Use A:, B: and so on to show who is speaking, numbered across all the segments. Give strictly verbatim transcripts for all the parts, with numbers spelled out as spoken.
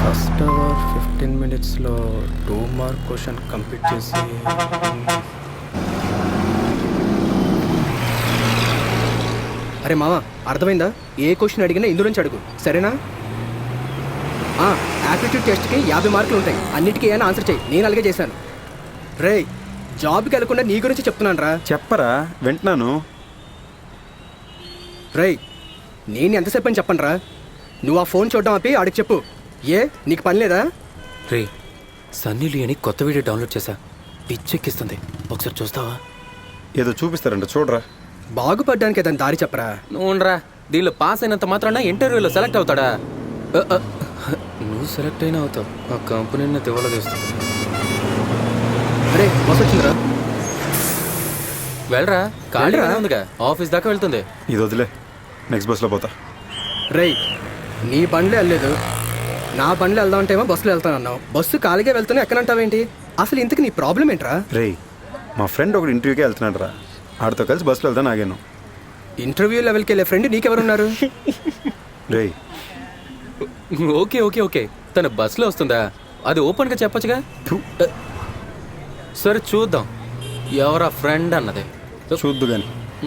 A: First hour fifteen మినిట్స్లో two mark question complete చేసి అరే మామ అర్థమైందా? ఏ క్వశ్చన్ అడిగినా ఇందులోంచి అడుగు, సరేనా? యాప్టిట్యూడ్ టెస్ట్కి యాభై మార్కులు ఉంటాయి, అన్నిటికీ ఏమైనా ఆన్సర్ చేయి. నేను అలాగే చేశాను. రే, జాబ్కి వెళ్ళకుండా నీ గురించి చెప్తున్నాను రా.
B: చెప్పరా, వింటున్నాను.
A: రేయ్, నేను ఎంతసేపు అని చెప్పను రా. నువ్వు ఆ ఫోన్ చూడడం ఆపి ఆడికి చెప్పు. ఏ నీకు పని లేదా?
C: రే, సన్నీ లియోని కొత్త వీడియో డౌన్లోడ్ చేశా, పిచ్చెక్కిస్తుంది, ఒకసారి చూస్తావా?
B: ఏదో చూపిస్తారంట, చూడరా.
A: బాగుపడ్డానికి ఏదైనా దారి చెప్పరా.
C: నువ్వురా, దీనిలో పాస్ అయినంత మాత్రాన ఇంటర్వ్యూలో సెలెక్ట్ అవుతాడా? అ, అ, నువ్వు సెలెక్ట్ అయినా అవుతావు, ఆ కంపెనీని తివ్వలదేస్తుంది.
A: అరే బస్ వచ్చిందిరా,
C: వెళ్ళరా. ఖాళీగా ఉందిగా, ఆఫీస్ దాకా వెళ్తుంది.
B: ఇది వదిలే, నెక్స్ట్ బస్లో పోతా.
A: రేయ్, నీ బండ్లే వెళ్ళలేదు, నా బండ్లు వెళ్దాం అంటేమో బస్సులో వెళ్తాను అన్నావు. బస్సు ఖాళీగా వెళ్తున్నా ఎక్కడంటావేంటి? అసలు ఇంతకు నీ ప్రాబ్లం ఏంట్రా?
B: రేయ్, మా ఫ్రెండ్ ఒకటి ఇంటర్వ్యూకే వెళ్తున్నాడు రా, ఆడితో కలిసి బస్సులో వెళ్తాను ఆగాను.
A: ఇంటర్వ్యూ లెవెల్కి వెళ్ళే ఫ్రెండ్ నీకెవరున్నారు?
B: రేయ్,
C: ఓకే ఓకే ఓకే తన బస్సులో వస్తుందా? అది ఓపెన్గా చెప్పొచ్చుగా. సరే చూద్దాం ఎవరా ఫ్రెండ్ అన్నది.
B: చూద్దు కానీ.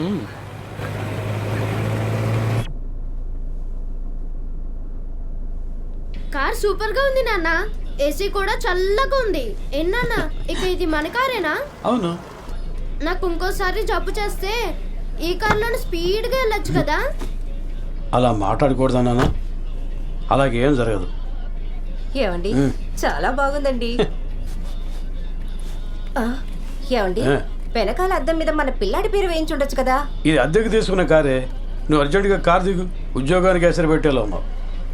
D: కార్ సూపర్ గా ఉంది నాన్న, ఏసీ కూడా చల్లగా ఉంది. ఎన్నా ఇక ఇది మన కారేనా?
E: అవును.
D: నాకు ఇంకోసారి జబ్బు చేస్తే ఈ కార్లోనే స్పీడ్ గా వెళ్ళొచ్చు కదా.
E: అలా మాట్లాడకూడదా నాన్న, అలాగేం జరగదు.
F: ఏమండి, చాలా బాగుందండి. ఆ, ఏమండి, వెనకాల అద్దం మీద మన పిల్లాడి పేరు వేయించుండొచ్చు కదా.
E: ఇది అద్దెకు తీసుకున్న కారే, నువ్వు అర్జెంటుగా కార్ దిగు, ఉద్యోగానికి ఎసరు పెట్టేలా ఉన్నావు.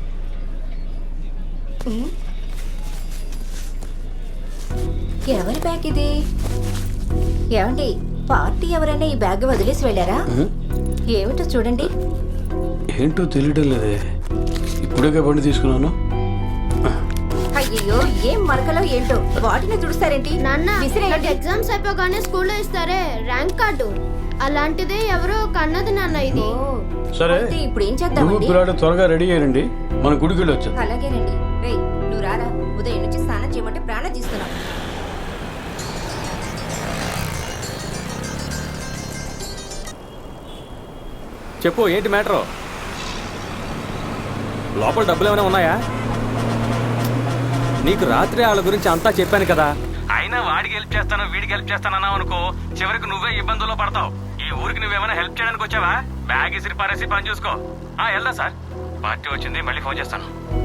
F: ఎవరి బ్యాగ్ ఇది? ఏమండి, పార్టీ ఎవరైనా ఈ బ్యాగ్ వదిలేసి వెళ్ళారా? ఏమిటో చూడండి.
E: ఏంటో తెలియడం లేదే, ఇప్పుడే బండి తీసుకున్నాను.
F: అయ్యో, ఏం మరకలో ఏంటో, వాటిని తుడుస్తారేంటి?
D: నాన్న,
F: విసిరేయండి.
D: ఎగ్జామ్స్ అయిపోగానే స్కూల్లో ఇస్తారే ర్యాంక్ కార్డు, అలాంటిదే ఎవరో కన్నది నాన్న ఇది.
E: సరే,
F: ఇప్పుడు ఏం
E: నువ్వు
F: చేద్దామండి?
E: పిల్లాడు త్వరగా రెడీ అయ్యండి, మన గుడికి వెళ్ళి వచ్చాను.
F: అలాగేనండి. రేయ్, నువ్వు రారా, ఉదయం నుంచి స్నానం చేయమంటే ప్రాణం తీస్తున్నావు.
C: చెప్పు, ఏంటి మ్యాటరు? లోపల డబ్బులు ఏమైనా ఉన్నాయా? నీకు రాత్రి వాళ్ళ గురించి అంతా చెప్పాను కదా. అయినా వాడికి హెల్ప్ చేస్తాను వీడికి హెల్ప్ చేస్తానన్నావు అనుకో, చివరికి నువ్వే ఇబ్బందుల్లో పడతావు. ఈ ఊరికి నువ్వేమైనా హెల్ప్ చేయడానికి వచ్చావా? బ్యాగ్ ఇసిరి పారేసి పని చూసుకో. ఆ వెళ్దా సార్, పార్టీ వచ్చింది, మళ్ళీ ఫోన్ చేస్తాను.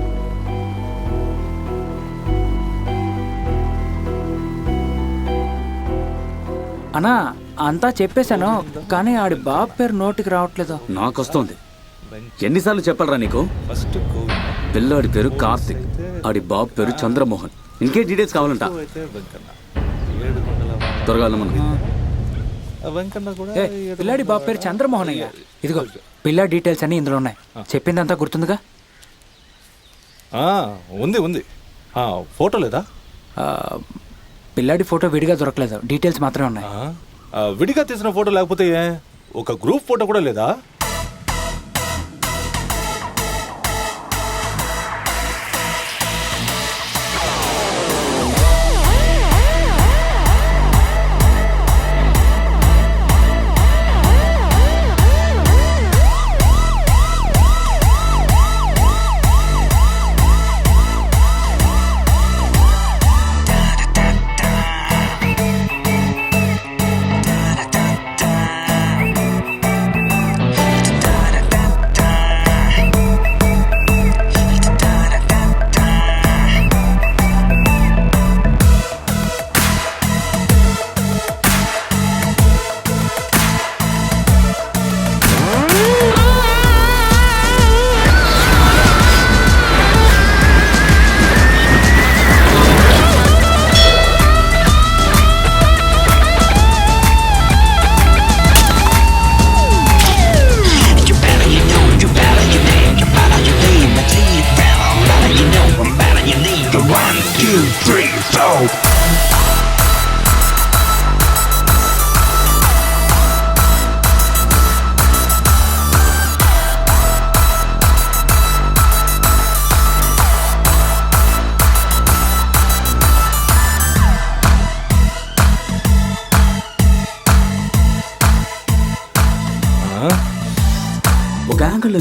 G: అన్నా, అంతా చెప్పేశాను, కానీ ఆడి బాబు పేరు నోటికి రావట్లేదు.
H: నాకు వస్తుంది. ఎన్నిసార్లు చెప్పాలరా నీకు? పిల్లాడి పేరు కార్తిక్, ఆడి బాబు పేరు చంద్రమోహన్. ఇంకే డీటెయిల్స్ కావాలంట, త్వరగా మనం.
G: పిల్లాడి బాబు పేరు చంద్రమోహన్ అయ్యా. ఇదిగో పిల్లాడి డీటెయిల్స్ అన్ని ఇందులో ఉన్నాయి. చెప్పిందంతా గుర్తుందిగా?
I: ఉంది ఉంది. ఫోటో లేదా?
G: పిల్లాడి ఫోటో విడిగా దొరకలేదు, డీటెయిల్స్ మాత్రమే ఉన్నాయి.
I: విడిగా తీసిన ఫోటో లేకపోతే ఒక గ్రూప్ ఫోటో కూడా లేదా?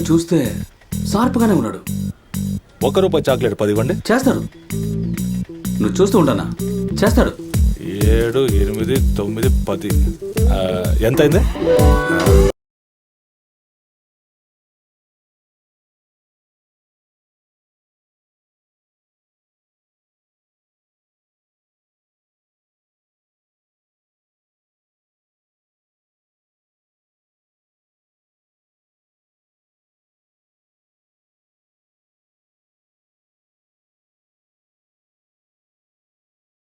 H: చూస్తే షార్ప్గానే ఉన్నాడు.
I: ఒక రూపాయి చాక్లెట్ పది ఇవ్వండి.
H: చేస్తాడు, నువ్వు చూస్తూ ఉంటానా, చేస్తాడు.
I: ఏడు ఎనిమిది తొమ్మిది పది ఆ, ఎంత అయింది?